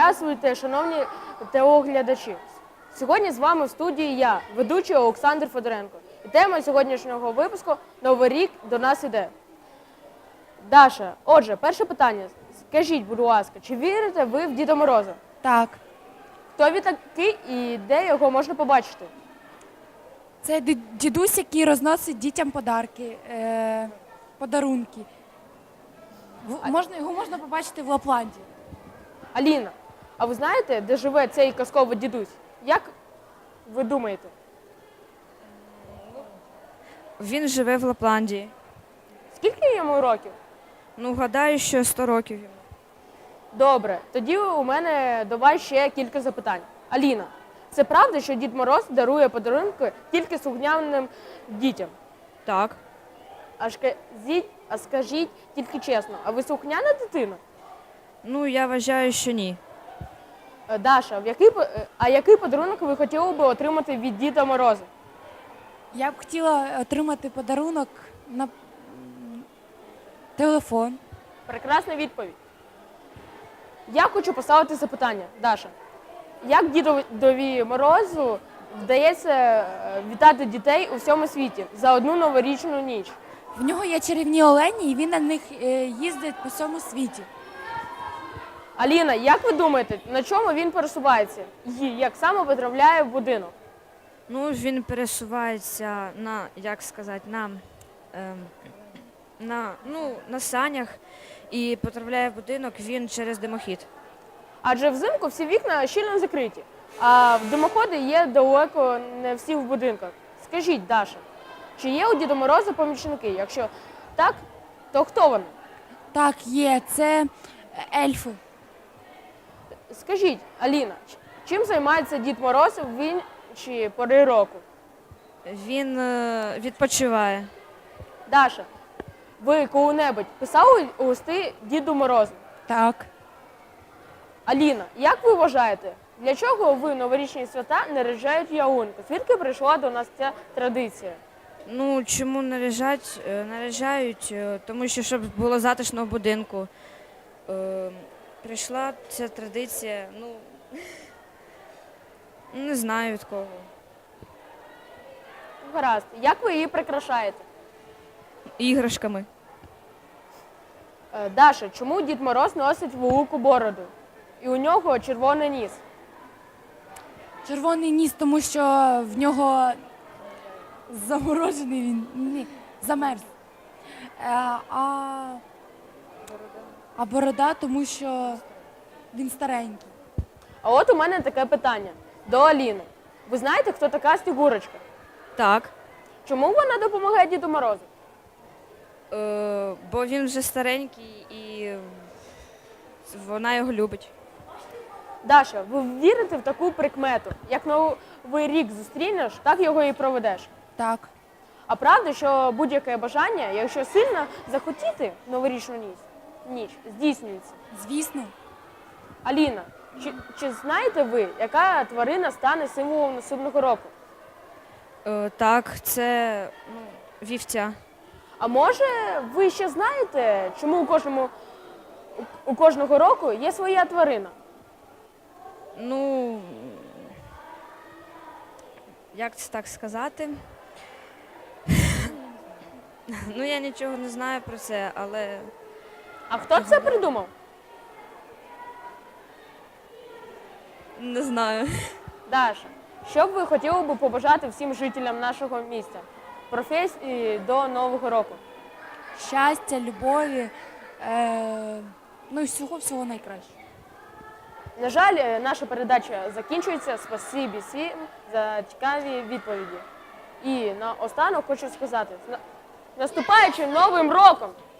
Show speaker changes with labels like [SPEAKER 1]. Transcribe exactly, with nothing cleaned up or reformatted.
[SPEAKER 1] Здравствуйте, шановні телеглядачі. Сьогодні з вами в студії я, ведучий Олександр Федоренко. І тема сьогоднішнього випуску «Новий рік до нас іде». Даша, отже, перше питання. Скажіть, будь ласка, чи вірите ви в Діда Мороза?
[SPEAKER 2] Так.
[SPEAKER 1] Хто він такий і де його можна побачити?
[SPEAKER 2] Це ді- дідусь, який розносить дітям подарки, е- подарунки. В- можна, його можна побачити в Лапланді.
[SPEAKER 1] Аліна, а ви знаєте, де живе цей казковий дідусь? Як ви думаєте?
[SPEAKER 3] Він живе в Лапландії.
[SPEAKER 1] Скільки йому років?
[SPEAKER 3] Ну, гадаю, що сто років йому.
[SPEAKER 1] Добре, тоді у мене до вас ще кілька запитань. Аліна, це правда, що Дід Мороз дарує подарунки тільки слухняним дітям?
[SPEAKER 3] Так.
[SPEAKER 1] А скажіть, а скажіть тільки чесно, а ви слухняна дитина?
[SPEAKER 3] Ну, я вважаю, що ні.
[SPEAKER 1] Е, Даша, в який, по- е, а який подарунок ви хотіли би отримати від Діда Мороза?
[SPEAKER 2] Я б хотіла отримати подарунок на м, телефон.
[SPEAKER 1] Прекрасна відповідь. Я хочу поставити запитання, Даша. Як Дідові Морозу вдається е, вітати дітей у всьому світі за одну новорічну ніч?
[SPEAKER 2] В нього є чарівні олені, і він на них е, їздить по всьому світі.
[SPEAKER 1] Аліна, як ви думаєте, на чому він пересувається? І як саме потрапляє в будинок?
[SPEAKER 3] Ну, він пересувається на, як сказати, на, ем, на, ну, на санях і потрапляє в будинок він через димохід.
[SPEAKER 1] Адже взимку всі вікна щільно закриті, а димоходи є далеко не всі в будинках. Скажіть, Даша, чи є у Діда Мороза помічники? Якщо так, то хто вони?
[SPEAKER 2] Так, є, це ельфи.
[SPEAKER 1] Скажіть, Аліна, ч- чим займається Дід Мороз в інші пори року?
[SPEAKER 3] Він е, відпочиває.
[SPEAKER 1] Даша, ви коли-небудь писали листи Діду Морозу?
[SPEAKER 2] Так.
[SPEAKER 1] Аліна, як ви вважаєте, для чого ви новорічні свята наряджають ялинку? Звідки прийшла до нас ця традиція?
[SPEAKER 3] Ну, чому наряжать? Е, наряжають, е, тому що щоб було затишно в будинку. Е, прийшла ця традиція, ну, не знаю від кого.
[SPEAKER 1] Гаразд, як ви її прикрашаєте?
[SPEAKER 3] Іграшками.
[SPEAKER 1] Е, Даша, чому Дід Мороз носить велику бороду? І у нього червоний ніс.
[SPEAKER 2] Червоний ніс, тому що в нього заморожений він. Ні, замерз. Е, а, а борода, тому що він старенький.
[SPEAKER 1] А от у мене таке питання до Аліни. Ви знаєте, хто така Снігурочка?
[SPEAKER 3] Так.
[SPEAKER 1] Чому вона допомагає Діду Морозу?
[SPEAKER 3] Е, бо він вже старенький і вона його любить.
[SPEAKER 1] Даша, ви вірите в таку прикмету? Як новий рік зустрінеш, так його і проведеш.
[SPEAKER 2] Так.
[SPEAKER 1] А правда, що будь-яке бажання, якщо сильно захотіти новорічну ніч, ніч здійснюється?
[SPEAKER 2] Звісно.
[SPEAKER 1] Аліна, чи, чи знаєте ви, яка тварина стане символом наступного року?
[SPEAKER 3] Е, так, це ну, вівця.
[SPEAKER 1] А може, ви ще знаєте, чому у кожному у- у кожного року є своя тварина?
[SPEAKER 3] Ну, як це так сказати? Ну, я нічого не знаю про це, але
[SPEAKER 1] А хто це придумав?
[SPEAKER 3] не знаю.
[SPEAKER 1] Даша, що б ви хотіли би побажати всім жителям нашого міста? Професії до Нового року.
[SPEAKER 2] Щастя, любові, е, ну і всього-всього найкраще.
[SPEAKER 1] На жаль, е, наша передача закінчується. Спасибі всім за цікаві відповіді. І наостанок хочу сказати, з на- наступаючим Новим роком!